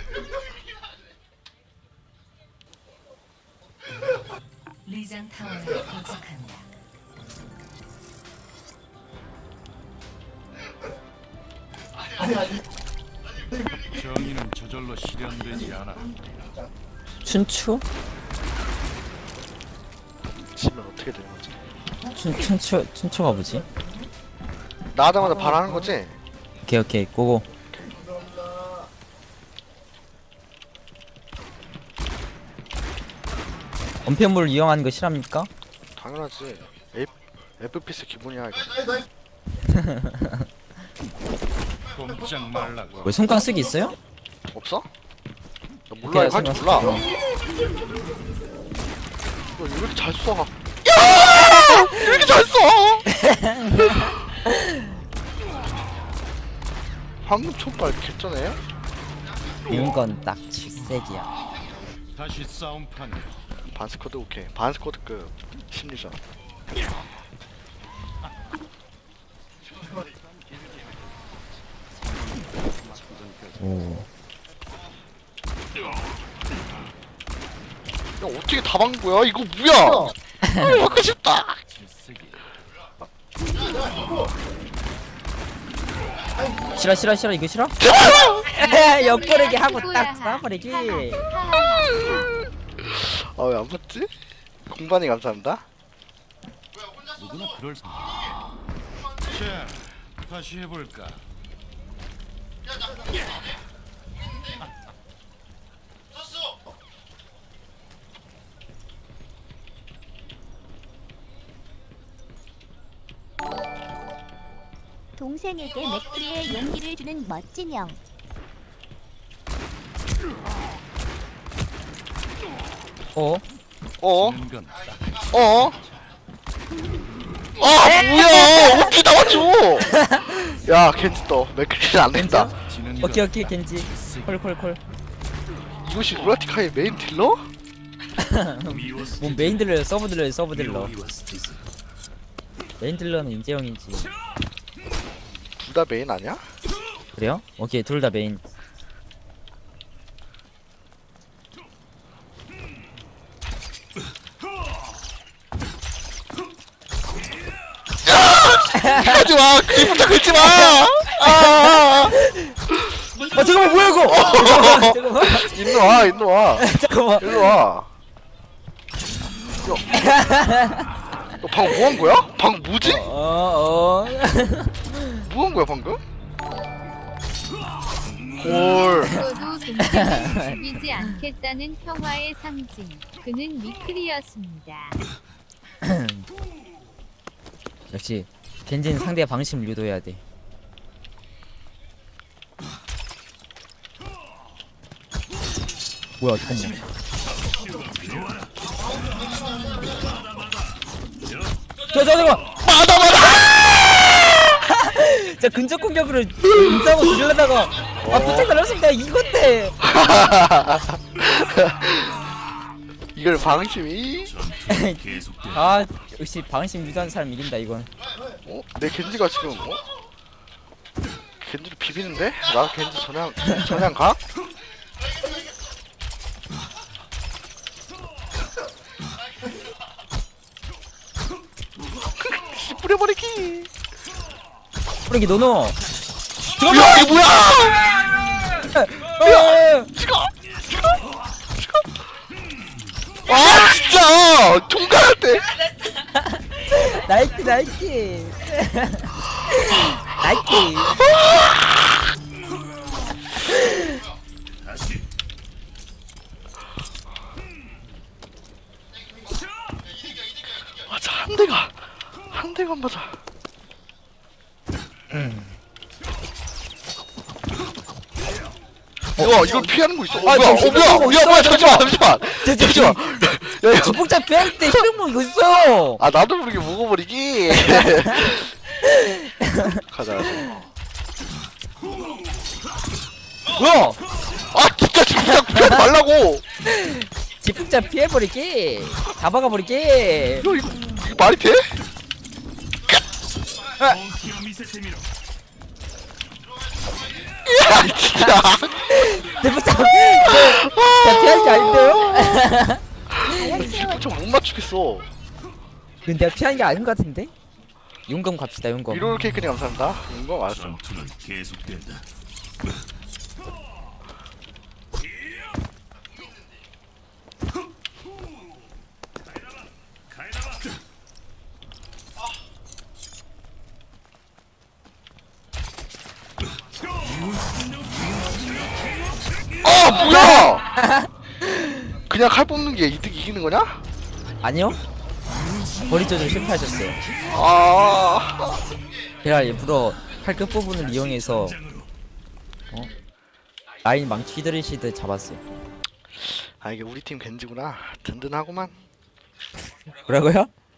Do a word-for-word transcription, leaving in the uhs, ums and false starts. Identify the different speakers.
Speaker 1: 리장 타워에 도착합니다.
Speaker 2: 정의는 저절로 실현되지 않아.
Speaker 3: 춘추?
Speaker 4: 지면 어떻게 되는 거지?
Speaker 3: 춘, 춘추, 춘추가 뭐지?
Speaker 4: 나가자마자 바라는 거지?
Speaker 3: 오케이 오케이 고고. 원패물을 이용하는 거 싫합니까?
Speaker 4: 당연하지. F, 에프피에스 기본이야 이거.
Speaker 2: 꼼짝 말라고.
Speaker 3: 왜 손깡 쓰기 있어요?
Speaker 4: 없어? 나 몰라
Speaker 3: 오케이,
Speaker 4: 이거 할줄
Speaker 3: 생각-
Speaker 4: 몰라.
Speaker 3: 어.
Speaker 4: 너 왜 이렇게 잘 써? 야! 왜 이렇게 잘 써? 방금 촉발 개쩌네.
Speaker 3: 이런 건 딱 질색이야.
Speaker 2: 다시 싸움판.
Speaker 4: 반스쿼드 오케이. 반스쿼드급 심리전.
Speaker 3: 오.
Speaker 4: 야 어떻게 다 막은 거야? 이거 뭐야? 먹고 싶다.
Speaker 3: 싫어 싫어 싫어 이거 싫어? 옆구르기 하고 딱 쏴버리기.
Speaker 4: 아 왜 안 맞지? 공반이 감사합니다.
Speaker 2: 누구나 그럴 수. 자, 다시 해볼까.
Speaker 5: 동생에게 맥크리의 용기를 주는 멋진 형.
Speaker 3: 어?
Speaker 4: 어?
Speaker 2: 지는 건
Speaker 4: 어? 아 뭐야? 어떻게 나와줘? 야 겐지 떠. 맥크리는 안 된다.
Speaker 2: 지는
Speaker 3: 오케이
Speaker 2: 건
Speaker 3: 오케이 겐지. 콜콜콜.
Speaker 4: 이것이 루라티카의 메인 딜러?
Speaker 3: 뭐 메인 딜러요 서브 딜러요 서브 딜러. 메인 딜러는 임재영이지.
Speaker 4: 둘 다 메인 아니야?
Speaker 3: 그래요? 오케이 둘 다 메인.
Speaker 4: 하지 마. 그림부터 긁지 마. 아.
Speaker 3: 아 잠깐만 뭐야 이거? 잠깐만 잠깐만
Speaker 4: 일로 와. 일로 와.
Speaker 3: 잠깐만.
Speaker 4: 일로 와. 야. 너 방금 뭐 한 거야? 방금 뭐지?
Speaker 3: 어 어.
Speaker 4: 뭐 한 거야 방금? 헐.
Speaker 6: 죽어도 동생을 죽이지 않겠다는 평화의 상징. 그는 미클이었습니다.
Speaker 3: 역시 겐지는 상대의 방심을 유도해야 돼. 뭐야 잠깐만. 저, 저, 잠깐만!
Speaker 4: 맞아 맞아.
Speaker 3: 자, 근접 공격으로 인싸고 들려다가 아, 부탁 달렸습니다. 이건데!
Speaker 4: 이걸 방심이?
Speaker 2: 계속돼.
Speaker 3: 아, 역시 방심 유도하는 사람 이긴다, 이건.
Speaker 4: 어? 내 겐지가 지금 어? 겐지를 비비는데? 나도 겐지 전향 전향 가? 씨, 뿌려버리기.
Speaker 3: 뿌리기 노노!
Speaker 4: 야 이게 뭐야?
Speaker 3: 어,
Speaker 4: 찍어 찍어 찍어. 아 진짜 총괄할 때.
Speaker 3: 나이키, 나이키! 나이키!
Speaker 4: 맞아 한 대가 한 대가 안 맞아. 와 이걸 피하는 거 있어. 어,
Speaker 3: 아,
Speaker 4: 뭐야?
Speaker 3: 저
Speaker 4: 어 뭐야?
Speaker 3: 휘두르고
Speaker 4: 야 뭐야?
Speaker 3: 있어,
Speaker 4: 잠시만 잠시만.
Speaker 3: 저, 저,
Speaker 4: 잠시만. 야 이거.
Speaker 3: 복잡 피할 때 히든몬 이거 있어요!
Speaker 4: 아 나도 모르게 먹어버리기. 가자 가자.
Speaker 3: 뭐야!
Speaker 4: 아 진짜 진짜 피하지 말라고.
Speaker 3: 지폭자 피해버리기! 다 박아버리기!
Speaker 4: 야 이거, 이거 말이 돼? 야 진짜.
Speaker 3: 대폭자
Speaker 4: 엄청 못 맞추겠어.
Speaker 3: 근데 내가 피한 게 아닌 것 같은데? 용검 갑시다 용검.
Speaker 4: 미로를 케이크님 감사합니다. 이거 알았어.
Speaker 2: 전투는 계속된다.
Speaker 4: 아 뭐야? 그냥 칼 뽑는 게 이득 이기는 거냐?
Speaker 3: 아니요? 거리 조절 실패하셨어요.
Speaker 4: 아.
Speaker 3: 제가 일부러 칼 끝부분을 이용해서 어? 라인 망치 휘두르시듯 잡았어요.
Speaker 4: 아 이게 우리 팀 겐지구나. 든든하구만.
Speaker 3: 뭐라고요?